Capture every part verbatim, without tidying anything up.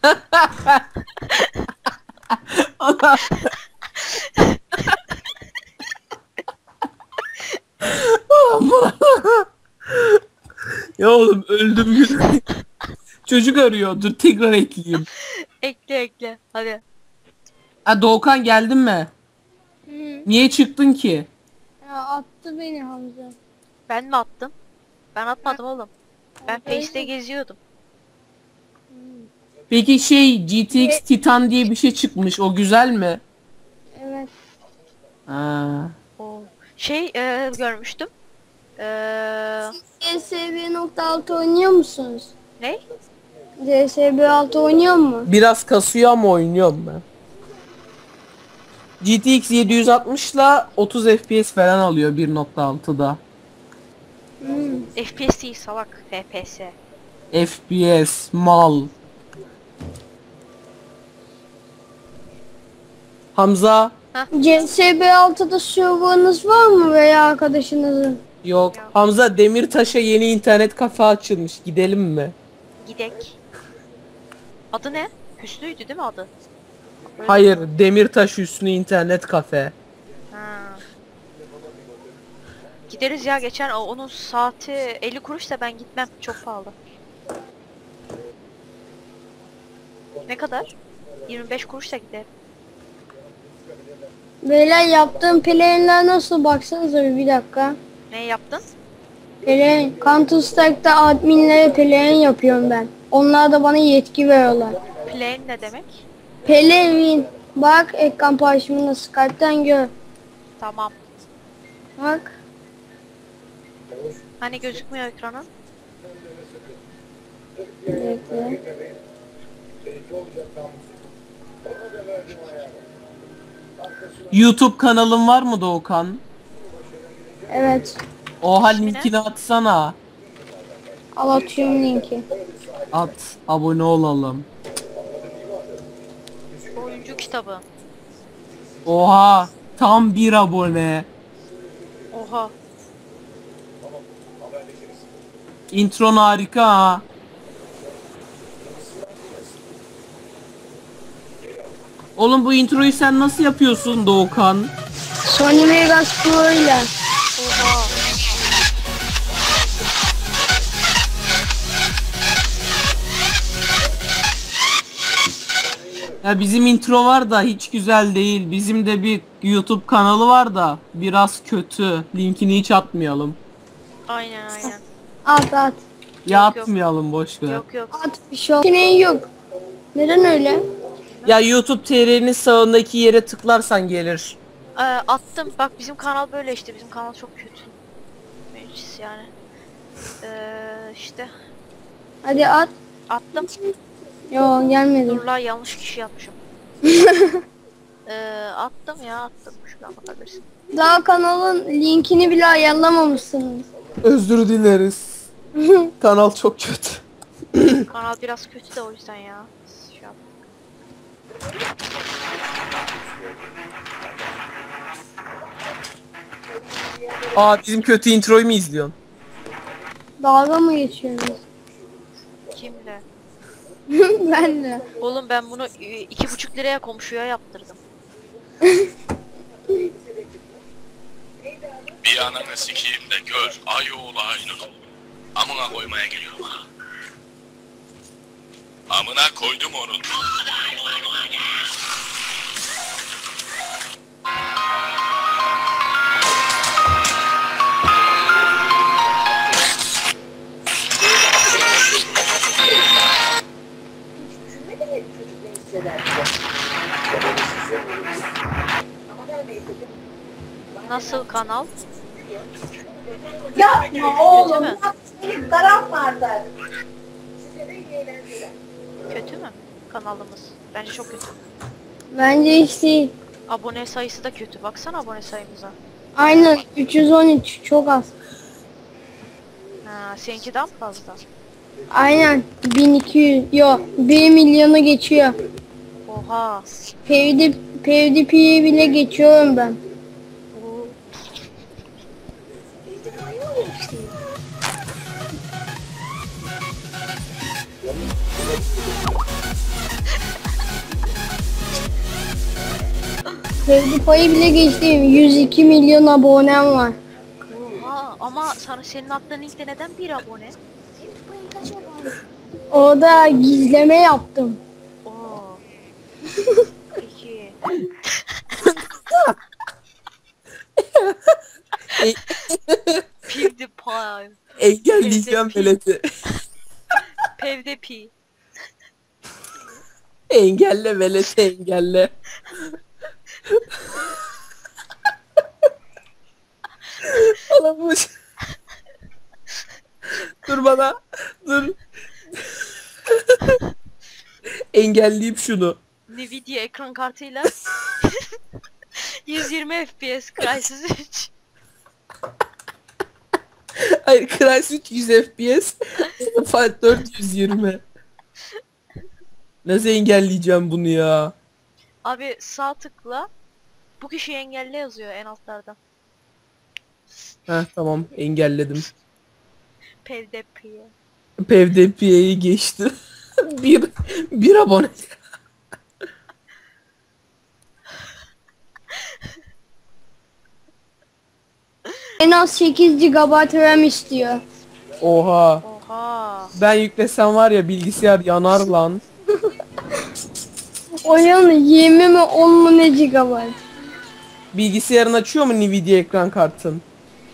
Allah. Ya oğlum öldüm gülüm. Çocuk arıyor. Dur tekrar ekleyeyim. Ekle ekle. Hadi. Ha Doğukan geldin mi? Hı. Niye çıktın ki? Ya attı beni Hamza. Ben mi attım? Ben atmadım oğlum. Ben Öyle. Face'te geziyordum. Peki şey G T X Titan diye bir şey çıkmış. O güzel mi? Evet. Ha. Oo. Şey e, görmüştüm. Eee D S B nokta altı oynuyor musunuz? ne? D S B altı oynuyor mu? Biraz kasıyor ama oynuyorum ben. G T X yedi yüz altmış ile otuz F P S falan alıyor bir nokta altıda. Hmm. F P S değil salak. F P S. F P S mal. Hamza C S B altıda serverınız var mı veya arkadaşınızın? yok. Yok. Hamza Demirtaş'a yeni internet kafe açılmış. Gidelim mi? Gidek. Adı ne? Hüsnü'ydü değil mi adı? Öyle Hayır, mi? Demirtaş Üstüne internet kafe. Ha. Gideriz ya, geçen o- onun saati elli kuruş da ben gitmem, çok pahalı. Ne kadar? yirmi beş kuruş da gider. Beyler yaptığım play'ler nasıl, baksanıza bir, bir dakika. Ne yaptın? Play, Counter Strike'da adminlere play yapıyorum ben. Onlar da bana yetki veriyorlar. Plane ne demek? Play, bak ekran paylaşımını Skype'ten gör. Tamam. Bak. Hani gözükmüyor ekranın? Bekle. YouTube kanalın var mı Doğukan? Evet. Oha İsmi ne? linkini atsana. Al atıyorum linki. At. Abone olalım. Oyuncu kitabı. Oha. Tam bir abone. Oha. Intron harika ha. Oğlum bu introyu sen nasıl yapıyorsun Doğukan? Sony Vegas Pro ile. Oha. Ya bizim intro var da hiç güzel değil. Bizim de bir YouTube kanalı var da biraz kötü. Linkini hiç atmayalım. Aynen aynen. At at. Ya Yok, yok. atmayalım boş ver. Yok yok. At bir şey yok. yok. Neden öyle? Ya YouTube T R'nin sağındaki yere tıklarsan gelir. Ee, attım. Bak bizim kanal böyle işte. Bizim kanal çok kötü. Meclis yani. Ee, işte. Hadi at. Attım. Yo gelmedi. Dur la, yanlış kişi yapmışım. ee, attım ya attım. Şuradan bakabilirsin. Daha kanalın linkini bile ayarlamamışsınız. Özür dileriz. Kanal çok kötü. Kanal biraz kötü de o yüzden ya. Şey yap. Aa bizim kötü introyu mu izliyorsun? Dalga mı geçiyorsunuz? Kimle? Ben de. Oğlum ben bunu e, iki buçuk liraya komşuya yaptırdım. Bir ananı sikeyim de gör ay oğlu aynı. Amına koymaya geliyorum ha. Amına koydum onu. Nasıl kanal? Yapma oğlum. mü? Benim karam vardı. Kötü mü kanalımız? Bence çok kötü. Bence hiç değil. Abone sayısı da kötü. Baksana abone sayımıza. Aynen üç yüz on üç çok az. Ha, seninki daha mı fazla? Aynen bin iki yüz. Yo bir milyonu geçiyor. Oha. PewDie, PewDiePie'yi bile geçiyorum ben. Oo. PewDiePie'yi bile geçtim. yüz iki milyon abonem var. Oha ama sana senin attığın linkte neden bir abone? Orada gizleme yaptım. Oo. Peki. PewDiePie. Engelleyeceğim veleti. PewDiePie. Engelle veleti engelle. Alamış. Dur bana. Dur. Engelleyip şunu. Nvidia ekran kartıyla yüz yirmi F P S Crysis üç. Hayır, Crysis üç yüz F P S. Fight dört yüz yirmi. Nasıl engelleyeceğim bunu ya? Abi sağ tıkla. Bu kişiyi engelle yazıyor en altlardan. Heh tamam, engelledim. PewDiePie. PewDiePie'yi geçti. bir bir abone. En az sekiz gigabayt RAM istiyor. Oha. Oha. Ben yüklesem var ya, bilgisayar yanar lan. Oyun yirmi mi on mu ne gigabayt? Bilgisayarın açıyor mu Nvidia ekran kartın?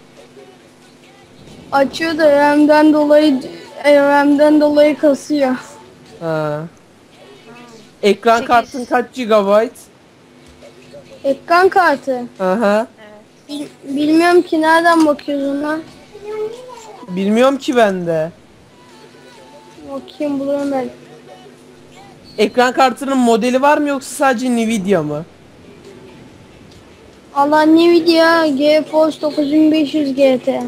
Açıyor da RAM'den dolayı RAM'den dolayı kasıyor. Ha. Ekran Sekiz. kartın kaç gigabayt? Ekran kartı. Aha. Bil- bilmiyorum ki nereden bakıyorsun lan. Bilmiyorum ki ben de. Bakayım bulurum ben. Ekran kartının modeli var mı yoksa sadece Nvidia mı? Allah Nvidia GeForce dokuz bin beş yüz G T.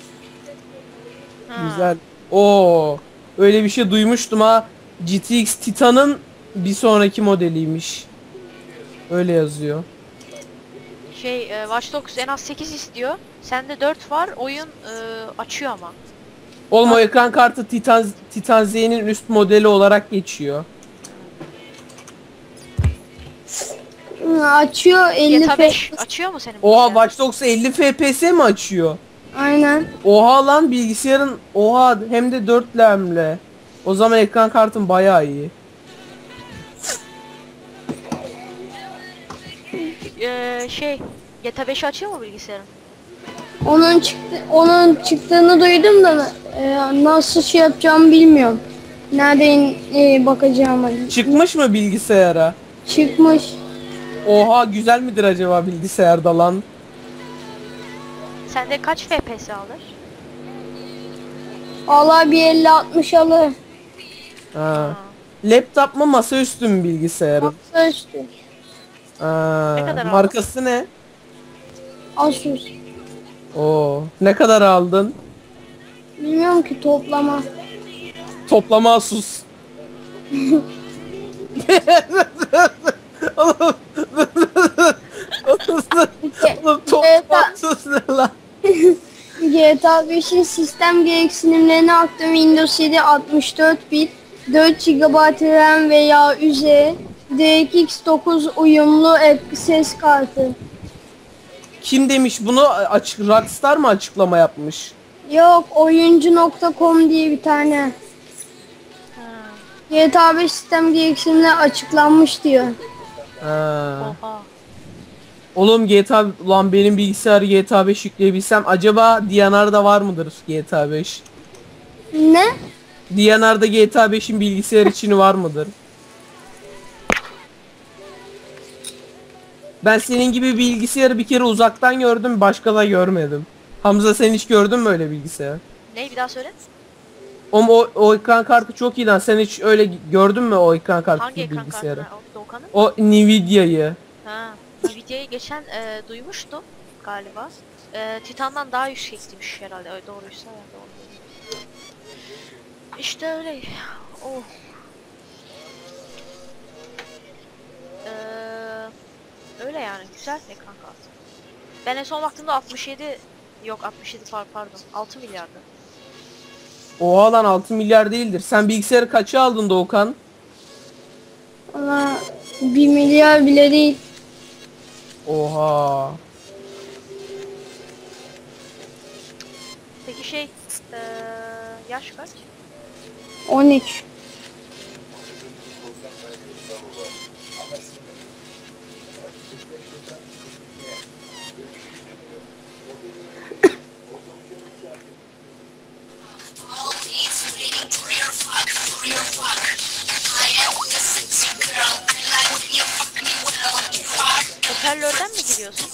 Ha. Güzel. Oo. Öyle bir şey duymuştum ha. G T X Titan'ın bir sonraki modeliymiş. Öyle yazıyor. Şey e, Watch Dogs en az sekiz istiyor. Sende dört var. Oyun e, açıyor ama. Oğlum o ekran kartı Titan Titan Z'nin üst modeli olarak geçiyor. Hı, açıyor elli G T A F. beş açıyor mu senin Oha, bilgisayarın? Watch Dogs elli F P S mi açıyor? Aynen. Oha lan, bilgisayarın oha hem de dört RAM'le. O zaman ekran kartın bayağı iyi. Ee, şey G T A beş açıyor mu bilgisayarın? Onun çıktı onun çıktığını duydum da e, nasıl şey yapacağımı bilmiyorum. Nereden e, bakacağıma. Çıkmış mı bilgisayara? Çıkmış. Oha, güzel midir acaba bilgisayarda lan? Sende kaç F P S alır? Allah bir elli altmış alır. Ha. Laptop mu masaüstü mü bilgisayarın? Masa üstü. Ha. Ne kadar Markası ne? Asus. Oo. Ne kadar aldın? Bilmiyorum ki toplama. Toplama Asus. Oğlum. Oğlum toplama Asus ne lan? G T A beşin sistem gereksinimlerine aktım. Windows yedi altmış dört bit, dört gigabayt RAM veya üzeri, D R X dokuz uyumlu ek- ses kartı. Kim demiş bunu? Açık Rockstar mı açıklama yapmış? Yok, oyuncu nokta com diye bir tane. Ha. G T A beş sistem gereksinimleri açıklanmış diyor. Ha. Oha. Oğlum G T A lan, benim bilgisayarı G T A beş yükleyebilsem acaba D N R'da var mıdır G T A beş? Ne? D N R'da G T A beşin bilgisayar içini var mıdır? Ben senin gibi bilgisayarı bir kere uzaktan gördüm, başka da görmedim. Hamza, sen hiç gördün mü öyle bilgisayar? Ne bir daha söyle? Oğlum o, o ekran kartı çok iyi lan. Sen hiç öyle gördün mü o ekran kartı Hangi ekran bilgisayarı? kartına? O Doğukan'ın? O Nvidia'yı. Ha. Nvidia'yı geçen e, duymuştum galiba. E, Titan'dan daha yüksektiymiş herhalde. Öyle doğruysa ya doğru. İşte öyle. Oh. Ee, öyle yani güzel ekran kartı. Ben en son baktığımda altmış yedi yok altmış yedi par pardon altı milyardı. Oha lan, altı milyar değildir. Sen bilgisayarı kaça aldın Doğukan? Valla bir milyar bile değil. Oha. Peki şey, eee yaş kaç? on üç. Hoparlörden mi giriyorsun?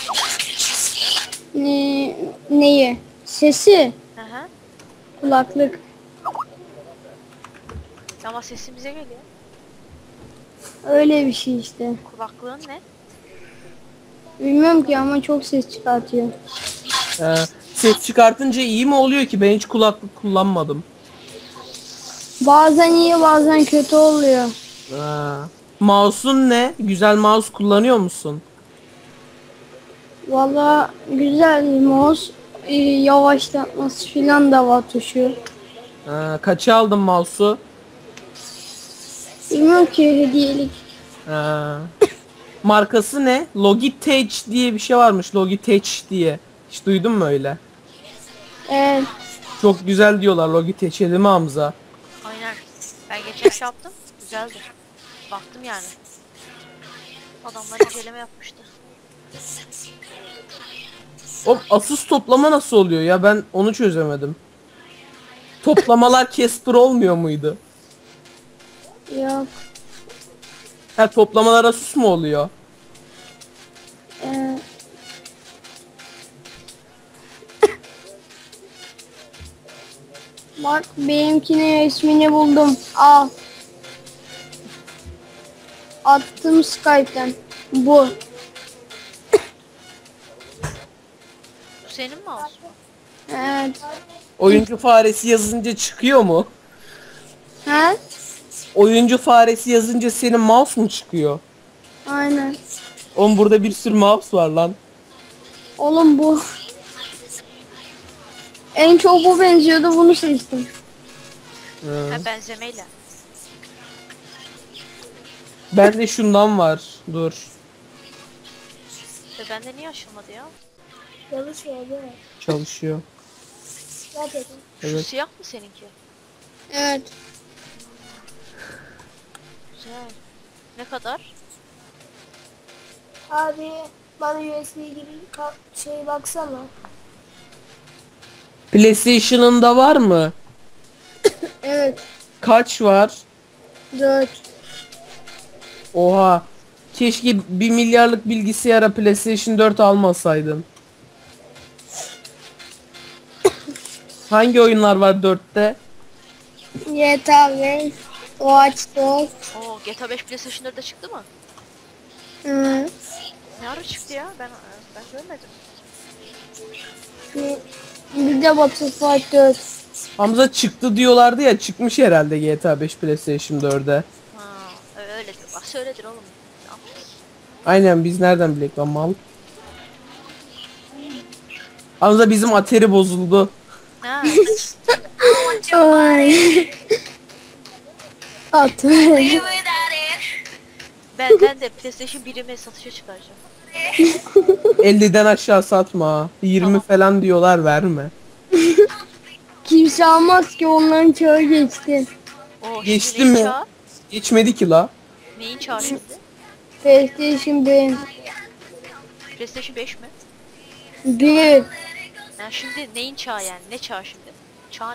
Ne, neyi? Sesi. Hı hı. Kulaklık. Ama sesin bize geliyor. Öyle bir şey işte. Kulaklığın ne? Bilmiyorum ki ama çok ses çıkartıyor. Ee, ses çıkartınca iyi mi oluyor ki? Ben hiç kulaklık kullanmadım. Bazen iyi bazen kötü oluyor. Ha. Mouse'un ne? Güzel mouse kullanıyor musun? Valla güzel mouse. Ee, yavaşlatması filan da var tuşu. Ha, kaça aldın mouse'u? Bilmiyorum ki hediyelik. Ha. Markası ne? Logitech diye bir şey varmış. Logitech diye. Hiç duydun mu öyle? Evet. Çok güzel diyorlar Logitech'e değil mi Hamza? Aynen. Ben geçen şey yaptım. Güzeldi. Baktım yani. Adamlar inceleme yapmıştı. O Asus toplama nasıl oluyor ya? Ben onu çözemedim. Toplamalar Casper olmuyor muydu? Yok. Ha, toplamalar Asus mu oluyor? Ee, Bak benimkinin resmini buldum. Al. Attım Skype'ten. Bu. Bu senin mi olsun? Evet. Oyuncu faresi yazınca çıkıyor mu? Ha? Oyuncu faresi yazınca senin mouse mu çıkıyor? Aynen. Oğlum burada bir sürü mouse var lan. Oğlum bu. En çok bu benziyordu, bunu seçtim. Hı. Ha, benzemeyle. Bende şundan var. Dur. Ve bende niye açılmadı ya? Çalışıyor değil mi? Çalışıyor. Gerçekten. Şu Evet. siyah mı seninki? Evet. Güzel. Ne kadar? Abi bana U S B gibi ka- şey baksana. PlayStation'ın da var mı? Evet. Kaç var? Dört. Oha. Keşke bir milyarlık bilgisayara PlayStation dört almasaydın. Hangi oyunlar var dörtte? G T A beş. Watch Dogs. Oo, G T A beş PlayStation dörtte çıktı mı? Hı. Ne ara çıktı ya? Ben ben görmedim. Bir de Battlefield dört. Hamza çıktı diyorlardı ya, çıkmış herhalde G T A beş PlayStation dörde. Ha, öyledir. Bak söyledir oğlum. Ne yapacağız? Aynen, biz nereden bilek lan mal. Hamza bizim Atari bozuldu. Ha, Ay. At. ben ben de PlayStation birimi satışa çıkaracağım. elliden aşağı satma. yirmi Tamam. falan diyorlar, verme. Kimse almaz ki, onların çağı geçti. Oo, Geçti şimdi neyin mi? çağı? Geçmedi ki la. Neyin çağı şimdi? PlayStation bir. PlayStation beş mi? Bir. Yani şimdi neyin çağı yani? Ne çağı şimdi? Çağ ne?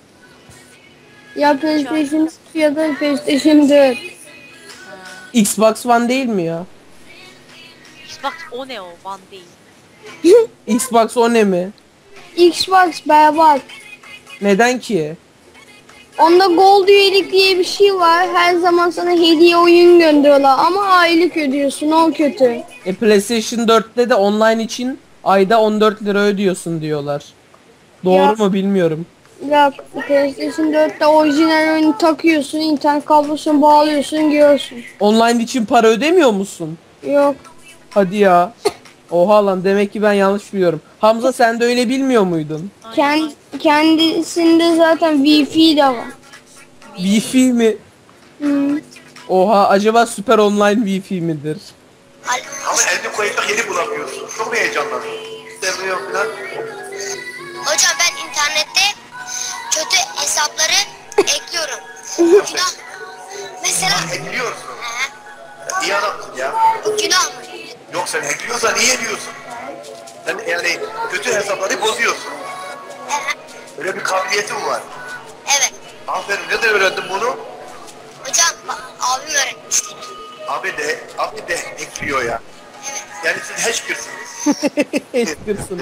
Ya PlayStation üç ya da PlayStation dört. Ha. Xbox One değil mi ya? Xbox o ne o? One değil. Xbox o ne mi? Xbox berbat. Neden ki? Onda Gold üyelik diye bir şey var. Her zaman sana hediye oyun gönderiyorlar ama aylık ödüyorsun, o kötü. E PlayStation dörtte de online için ayda on dört lira ödüyorsun diyorlar. Doğru Ya. mu bilmiyorum. Bak PlayStation dörtte orijinal oyunu takıyorsun, internet kablosunu bağlıyorsun, giriyorsun. Online için para ödemiyor musun? Yok. Hadi ya. Oha lan, demek ki ben yanlış biliyorum. Hamza, sen de öyle bilmiyor muydun? Aynen, Kend, aynen. kendisinde zaten Wi-Fi de var. Wi-Fi mi? Hmm. Oha, acaba süper online Wi-Fi midir? Ama elini koyup da yeni bulamıyorsun. Çok mu heyecanlandın? Sevmiyorum falan. Hocam ben internette kötü hesapları ekliyorum. Günah. Mesela Ekliyorsun. He, İyi adamsın ya. günah mı? Yok sen ekliyorsan iyi ediyorsun. Sen yani kötü hesapları bozuyorsun. Evet. Öyle bir kabiliyetin var. Evet. Aferin. Nereden öğrendin bunu? Hocam bak, abim öğretmişti. Abi de, abi de ekliyor ya. Evet. Yani siz hackersınız. Hackersın.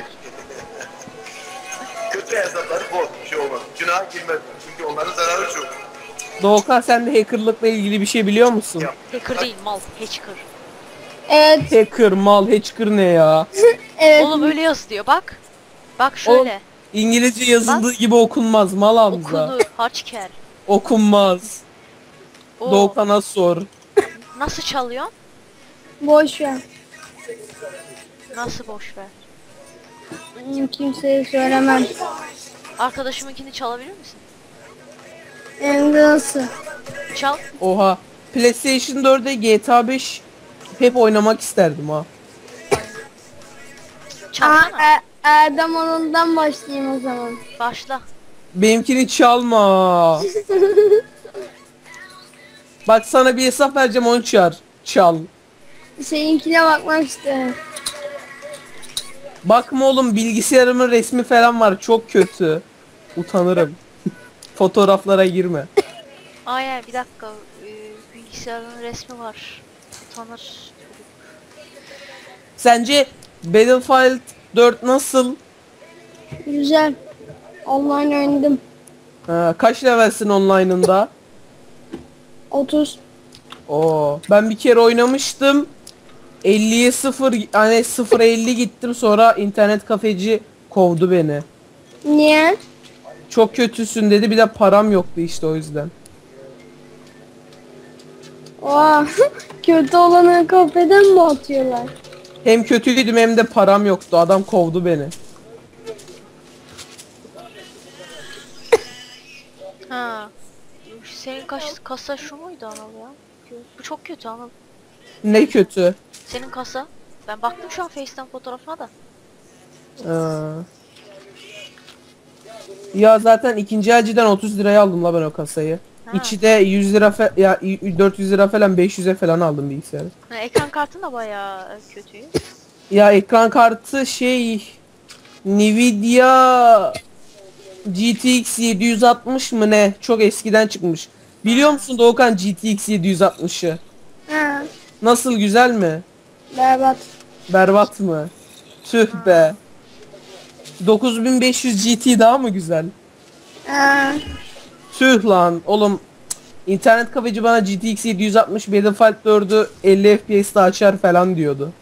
Kötü hesapları boz. Bir şey olmaz. Günaha girmez. Çünkü onların zararı çok. Doğukan sen de hackerlıkla ilgili bir şey biliyor musun? Ya. Hacker değil mal. Hacker. Evet. Hacker, mal, hacker ne ya? Evet. Oğlum öyle yaz diyor bak. Bak şöyle. İngilizce yazıldığı gibi okunmaz mal Hamza. Okunur. Haçker. Okunmaz. Oo. Doğukan'a sor. Nasıl çalıyorsun? Boş ver. Nasıl boş ver. Hmm, Kimseye söylemem. Arkadaşımınkini çalabilir misin? Hem de nasıl? Çal. Oha. PlayStation dörde G T A beş hep oynamak isterdim ha. Aa, Çalsana. Er- Erdem Anıl'dan başlayayım o zaman. Başla. Benimkini çalma. Bak sana bir hesap vereceğim onu çağır. Çal. Seninkine bakmak isterim. Bakma oğlum bilgisayarımın resmi falan var çok kötü. Utanırım. Fotoğraflara girme. Aynen bir dakika. Ee, bilgisayarın resmi var. Utanır. Sence Battlefield dört nasıl? Güzel. Online oynadım. Ha, kaç levelsin online'ında? otuz. Oo, ben bir kere oynamıştım. elliye sıfır hani sıfıra elli gittim sonra internet kafeci kovdu beni. Niye? Çok kötüsün dedi bir de param yoktu işte o yüzden. Oha. Kötü olanı kafeden mi atıyorlar? Hem kötüydüm hem de param yoktu adam kovdu beni. Ha. Senin kaş, kasa şu muydu Anıl ya? Bu çok kötü Anıl. Ne kötü. Senin kasa. Ben baktım şu an Face'ten fotoğrafına da. Aa. Ya zaten ikinci elciden otuz liraya aldım la ben o kasayı. Ha. İçi de yüz lira fe- ya dört yüz lira falan beş yüze falan aldım bilgisayarı. Ha, ekran kartın da bayağı kötü. Ya ekran kartı şey Nvidia G T X yedi yüz altmış mı ne? Çok eskiden çıkmış. Biliyor musun Doğukan G T X yedi yüz altmışı? Ha. Nasıl güzel mi? Berbat. Berbat mı? Tüh be. dokuz bin beş yüz G T daha mı güzel? Ha. Tüh lan oğlum. İnternet kafeci bana G T X yedi yüz altmış Battlefield dördü elli F P S'te açar falan diyordu.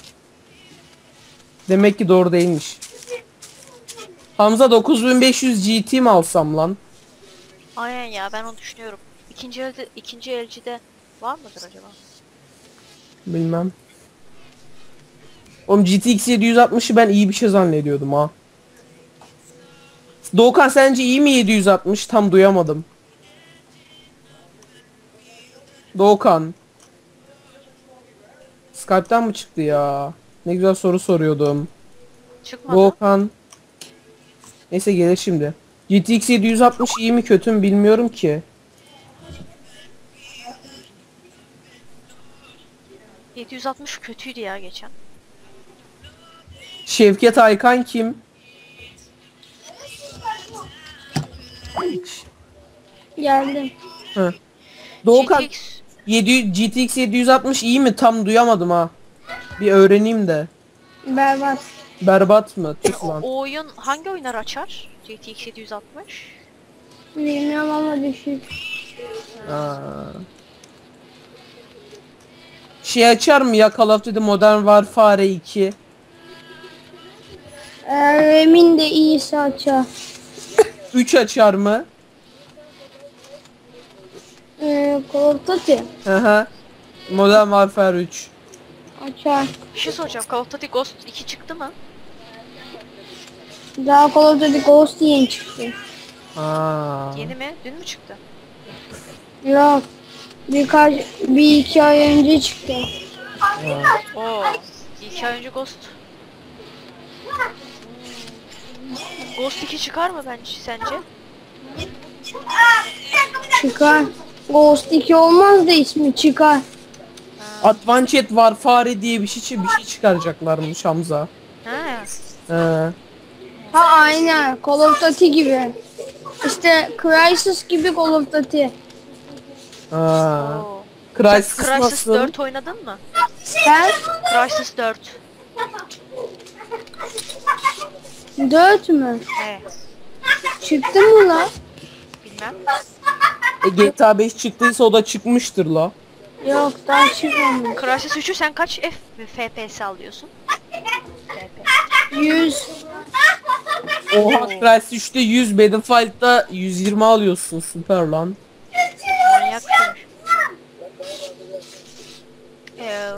Demek ki doğru değilmiş. Hamza dokuz bin beş yüz G T mi alsam lan? Aynen ya ben onu düşünüyorum. İkinci elde, ikinci elcide var mıdır acaba? Bilmem. Oğlum G T X yedi yüz altmışı ben iyi bir şey zannediyordum ha. Doğukan sence iyi mi yedi yüz altmış? Tam duyamadım. Doğukan. Skype'tan mı çıktı ya? Ne güzel soru soruyordum. Çıkmadı. Doğukan. Neyse gelir şimdi. G T X yedi yüz altmış iyi mi kötü mü bilmiyorum ki. yedi yüz altmış kötüydü ya geçen. Şevket Aykan kim? Geldim. Hı. Doğukan G T X yedi yüz G T X yedi yüz altmış iyi mi? Tam duyamadım ha. Bir öğreneyim de. Berbat. Berbat mı? Tüh o, lan. o oyun hangi oyunlar açar? G T X yedi yüz altmış. Bilmiyorum ama düşük. Aa. Şey açar mı ya Call of Duty Modern Warfare iki? Eğer emin de iyiyse açar. üç açar mı? Ee, Call of Duty Hı hı. Modern Warfare üç. açar. Bir şey soracağım. Call of Duty Ghost iki çıktı mı? Daha Call of Duty Ghost yeni çıktı. Aa. Yeni mi? Dün mü çıktı? Yok. Birkaç, bir iki ay önce çıktı. Oo. İki ay önce Ghost. Ghost iki çıkar mı bence sence? Çıkar. Ghost iki olmaz da ismi çıkar. Advanced Warfare diye bir şey bir şey çıkaracaklarmış Hamza. Ha. He. Ha aynen. Call of Duty gibi. İşte Crysis gibi Call of Duty. Ha. Oo. Crysis, Crysis nasıl? dört oynadın mı? Ben Crysis dört. dört mü? Evet. Çıktı mı la? Bilmem. E, G T A beş çıktıysa o da çıkmıştır la. Yok daha çıkmamış. Crysis üçü sen kaç F F P S alıyorsun? F P. yüz. Oha Crysis üçte yüz, Battlefield'da yüz yirmi alıyorsun, süper lan. Manyak bir şeymiş. Ee,